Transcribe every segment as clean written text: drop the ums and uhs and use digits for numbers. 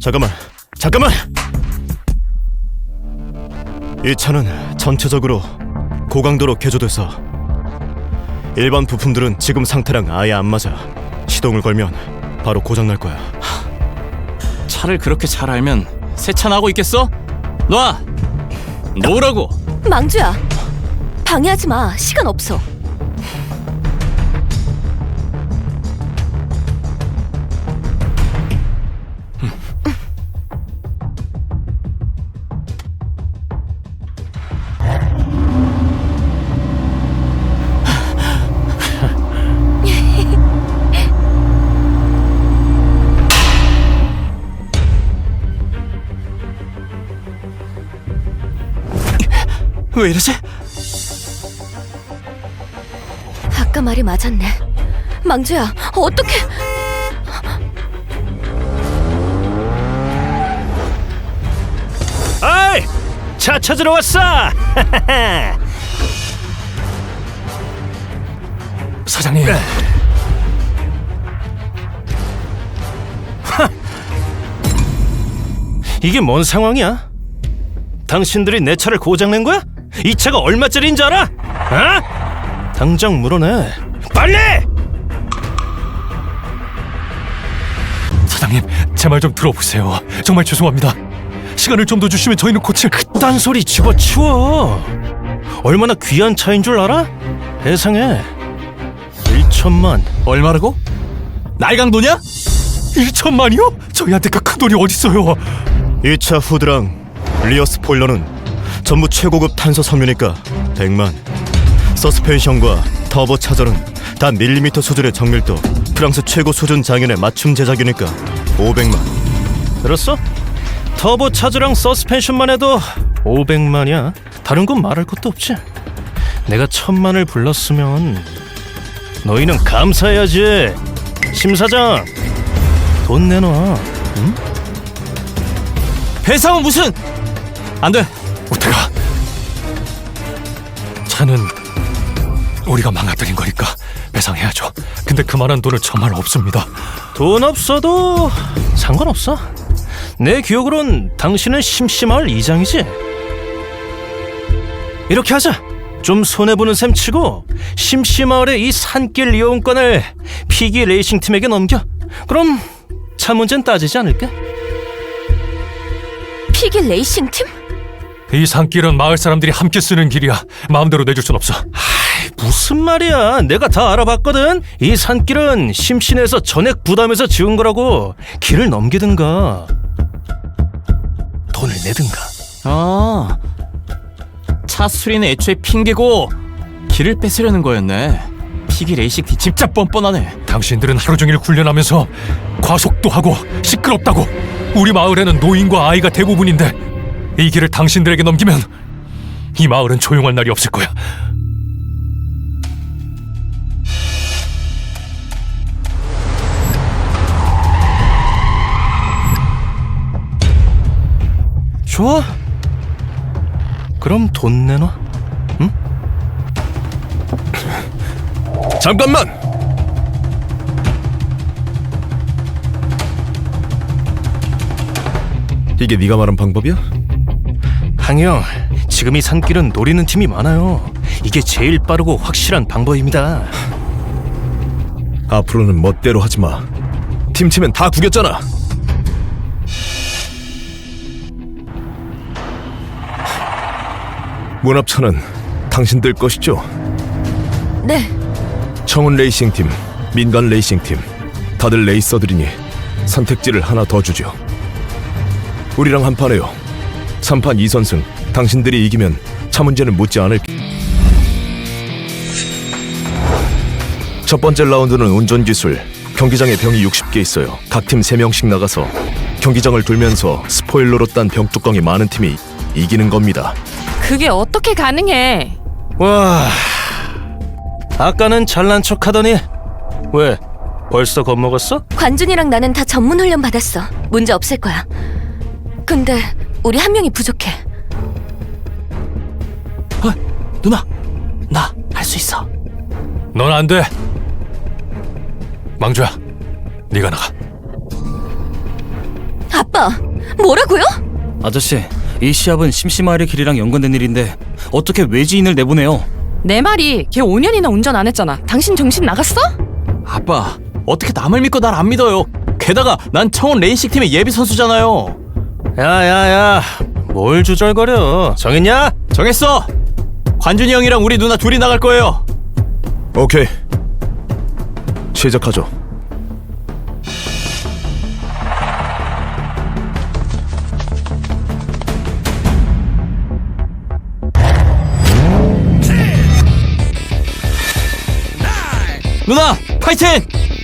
잠깐만! 이 차는 전체적으로 고강도로 개조돼서 일반 부품들은 지금 상태랑 아예 안 맞아. 시동을 걸면 바로 고장날 거야. 차를 그렇게 잘 알면 세차나고 있겠어? 놔! 놓으라고! 망주야, 방해하지 마. 시간 없어. 왜 이러지? 아까 말이 맞았네. 망주야, 어떡해. 아이! 차 찾으러 왔어! 사장님. 이게 뭔 상황이야? 당신들이 내 차를 고장낸 거야? 이 차가 얼마짜리인 줄 알아? 어? 당장 물어내. 빨리! 사장님, 제 말 좀 들어보세요. 정말 죄송합니다. 시간을 좀 더 주시면 저희는 고칠... 그딴 소리 집어치워. 얼마나 귀한 차인 줄 알아? 세상에 1천만. 얼마라고? 날강도냐? 1천만이요? 저희한테 그 큰 돈이 어딨어요. 이 차 후드랑 리어 스포일러는 전부 최고급 탄소 섬유니까 100만. 서스펜션과 터보 차저는 다 밀리미터 수준의 정밀도, 프랑스 최고 수준 장인의 맞춤 제작이니까 500만. 들었어? 터보 차저랑 서스펜션만 해도 500만이야. 다른 건 말할 것도 없지. 내가 1000만을 불렀으면 너희는 감사해야지. 심 사장, 돈 내놔. 응? 배상은 무슨... 안 돼! 우태가, 차는 우리가 망가뜨린 거니까 배상해야죠. 근데 그만한 돈은 정말 없습니다. 돈 없어도 상관없어. 내 기억으론 당신은 심심할 이장이지. 이렇게 하자. 좀 손해보는 셈 치고 심심마을의 이 산길 이용권을 피기 레이싱 팀에게 넘겨. 그럼 차 문제는 따지지 않을까? 피기 레이싱 팀? 이 산길은 마을 사람들이 함께 쓰는 길이야. 마음대로 내줄 순 없어. 무슨 말이야. 내가 다 알아봤거든. 이 산길은 심신에서 전액 부담해서 지은 거라고. 길을 넘기든가 돈을 내든가. 아, 차 수리는 애초에 핑계고 길을 뺏으려는 거였네. 피기 레이싱 팀 진짜 뻔뻔하네. 당신들은 하루 종일 훈련하면서 과속도 하고 시끄럽다고. 우리 마을에는 노인과 아이가 대부분인데 이 길을 당신들에게 넘기면 이 마을은 조용할 날이 없을 거야. 좋아. 그럼 돈 내놔. 응? 잠깐만! 이게 네가 말한 방법이야? 항영, 지금 이 산길은 노리는 팀이 많아요. 이게 제일 빠르고 확실한 방법입니다. 앞으로는 멋대로 하지마. 팀 치면 다 구겼잖아. 문합차는 당신들 것이죠? 네. 청운 레이싱팀, 민간 레이싱팀, 다들 레이서들이니 선택지를 하나 더 주죠. 우리랑 한판해요. 3판 2선승. 당신들이 이기면 차 문제는 묻지 않을. 첫 번째 라운드는 운전기술. 경기장에 병이 60개 있어요. 각 팀 3명씩 나가서 경기장을 돌면서 스포일러로 딴 병 뚜껑이 많은 팀이 이기는 겁니다. 그게 어떻게 가능해? 와, 아까는 잘난 척하더니 왜 벌써 겁먹었어? 관준이랑 나는 다 전문 훈련 받았어. 문제 없을 거야. 근데 우리 한 명이 부족해. 누나, 나 할 수 있어. 넌 안 돼. 망주야, 네가 나가. 아빠! 오빠, 뭐라고요? 아저씨, 이 시합은 심심하일의 길이랑 연관된 일인데 어떻게 외지인을 내보내요? 내 말이 걔 5년이나 운전 안 했잖아. 당신 정신 나갔어? 아빠, 어떻게 남을 믿고 날 안 믿어요? 게다가 난 청원 레이싱 팀의 예비 선수잖아요. 야야야, 뭘 주절거려? 정했냐? 정했어. 관준이 형이랑 우리 누나 둘이 나갈 거예요. 오케이. 시작하죠. 누나, 파이팅!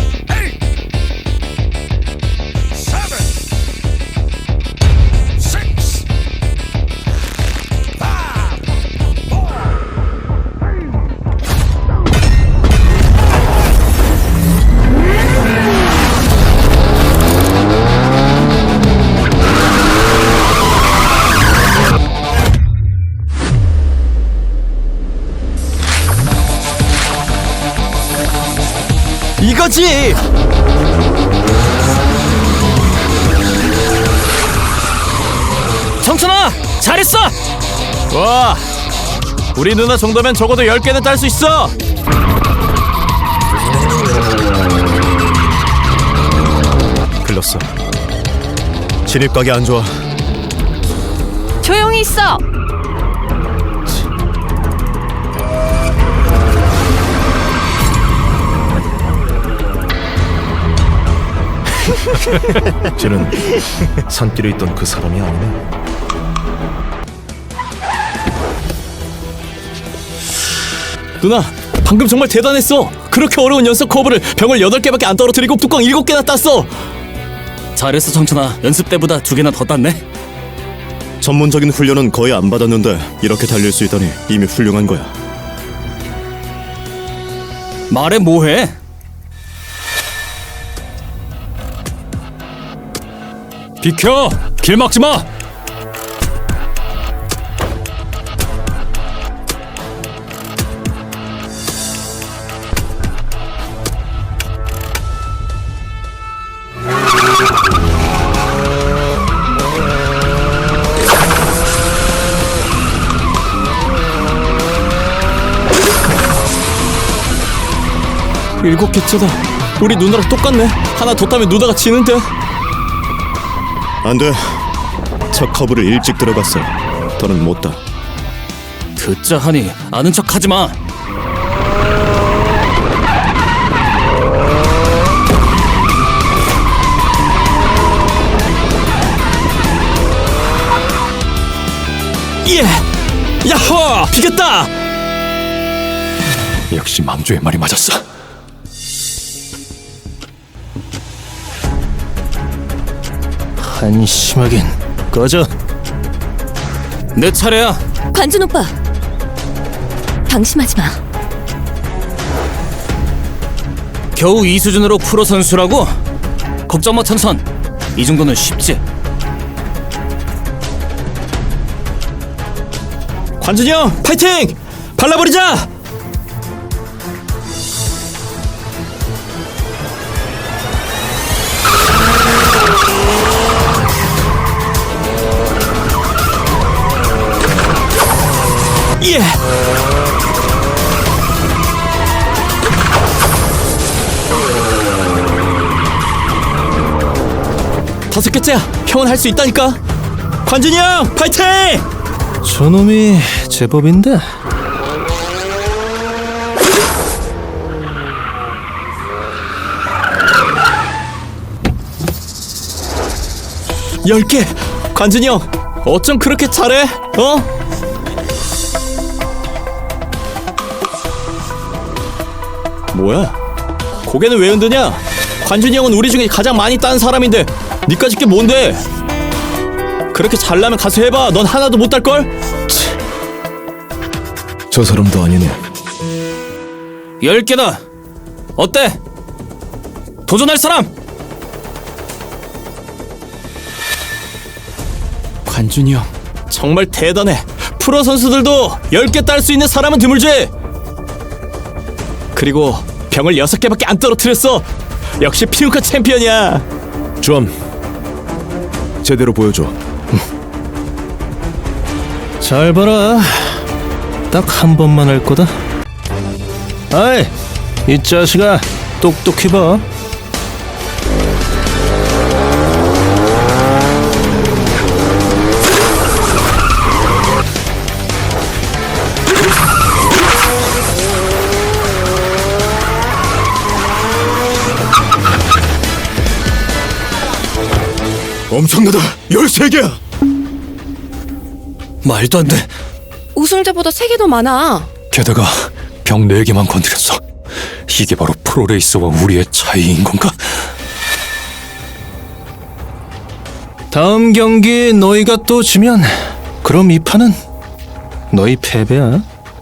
이거지! 청춘아, 잘했어! 와, 우리 누나 정도면 적어도 10개는 딸 수 있어! 글렀어. 진입각이 안 좋아. 조용히 있어. 쟤는 산길에 있던 그 사람이 아니네. 누나, 방금 정말 대단했어! 그렇게 어려운 연속 커브를 병을 8개밖에 안 떨어뜨리고 뚜껑 7개나 땄어! 잘했어, 청춘아. 연습 때보다 2개나 더 땄네. 전문적인 훈련은 거의 안 받았는데 이렇게 달릴 수 있다니 이미 훌륭한 거야. 말해 뭐해? 비켜! 길 막지 마! 일곱 개째다. 우리 누나랑 똑같네. 하나 더 따면 누나가 지는데. 안 돼. 첫 커브를 일찍 들어갔어. 더는 못 따. 듣자 하니 아는 척 하지 마. 예! 야호! 비겼다! 역시 망조의 말이 맞았어. 한심하긴. 꺼져. 내 차례야. 관준 오빠, 방심하지 마. 겨우 이 수준으로 프로 선수라고? 걱정 마, 천선. 이 정도는 쉽지. 관준이 형, 파이팅! 발라버리자! 예! 다섯 개째야. 형은 할 수 있다니까. 관준이 형, 파이팅! 저놈이 제법인데. 열 개. 관준이 형, 어쩜 그렇게 잘해? 어? 뭐야? 고개는 왜 흔드냐? 관준이 형은 우리 중에 가장 많이 딴 사람인데 니까짓 게 뭔데? 그렇게 잘나면 가서 해봐. 넌 하나도 못 딸걸? 저 사람도 아니네. 10개다. 어때? 도전할 사람? 관준이 형 정말 대단해. 프로 선수들도 10개 딸 수 있는 사람은 드물지. 그리고 병을 6개밖에 안 떨어뜨렸어. 역시 피우카 챔피언이야. 좀 제대로 보여줘. 잘 봐라. 딱 한 번만 할 거다. 아이, 이 자식아, 똑똑히 봐. 엄청나다. 13개야. 말도 안 돼. 우승자보다 3개 더 많아. 게다가 병 4개만 건드렸어. 이게 바로 프로레이서와 우리의 차이인 건가? 다음 경기 너희가 또 지면 그럼 이 판은 너희 패배야.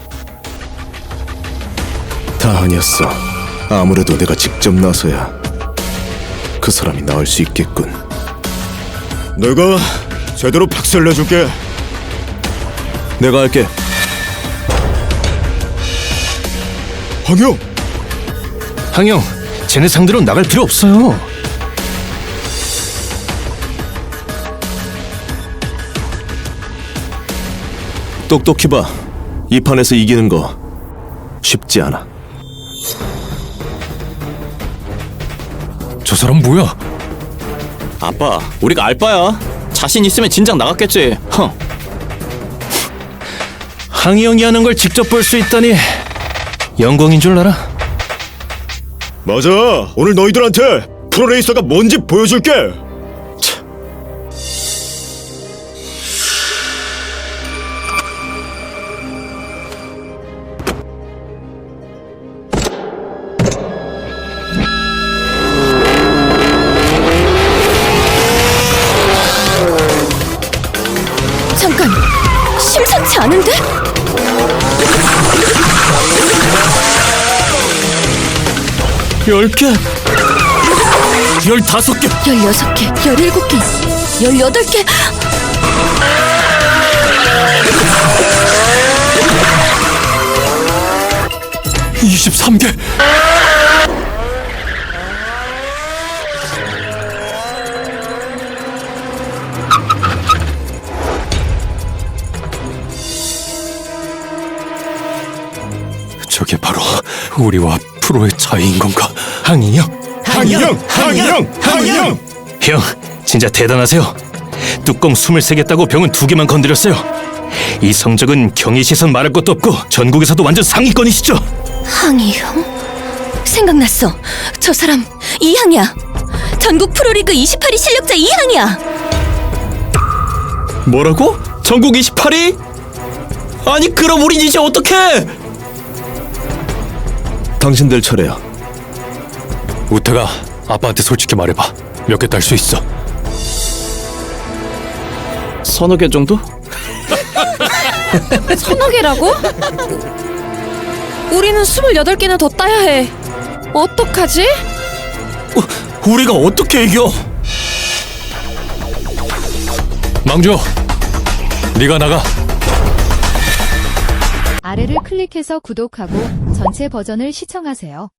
다 아니었어. 아무래도 내가 직접 나서야 그 사람이 나을 수 있겠군. 내가 제대로 박살 내줄게. 내가 할게. 황영, 항영, 쟤네 상대로 나갈 필요 없어요. 똑똑히 봐. 이 판에서 이기는 거 쉽지 않아. 저 사람 뭐야? 아빠, 우리가 알바야. 자신 있으면 진작 나갔겠지. 흥. 항영이 하는 걸 직접 볼 수 있다니 영광인 줄 알아. 맞아. 오늘 너희들한테 프로레이서가 뭔지 보여줄게. 잠깐, 심상치 않은데? 열 개, 15개. 16개, 17개, 18개. 23개. 저게 바로 우리와 프로의 차이인 건가? 항이 형, 항영, 항영, 항영. 형, 진짜 대단하세요. 뚜껑 23개 따고 병은 2개만 건드렸어요. 이 성적은 경희 시선 말할 것도 없고 전국에서도 완전 상위권이시죠. 항이 형? 생각났어. 저 사람 이항이야. 전국 프로리그 28위 실력자 이항이야. 뭐라고? 전국 28위? 아니 그럼 우린 이제 어떡해? 당신들 차례야. 우태가 아빠한테 솔직히 말해봐. 몇 개 딸 수 있어? 서너 개 정도? 서너 개라고? 우리는 28개나 더 따야 해. 어떡하지? 우리가 어떻게 이겨? 망조, 네가 나가. 아래를 클릭해서 구독하고 전체 버전을 시청하세요.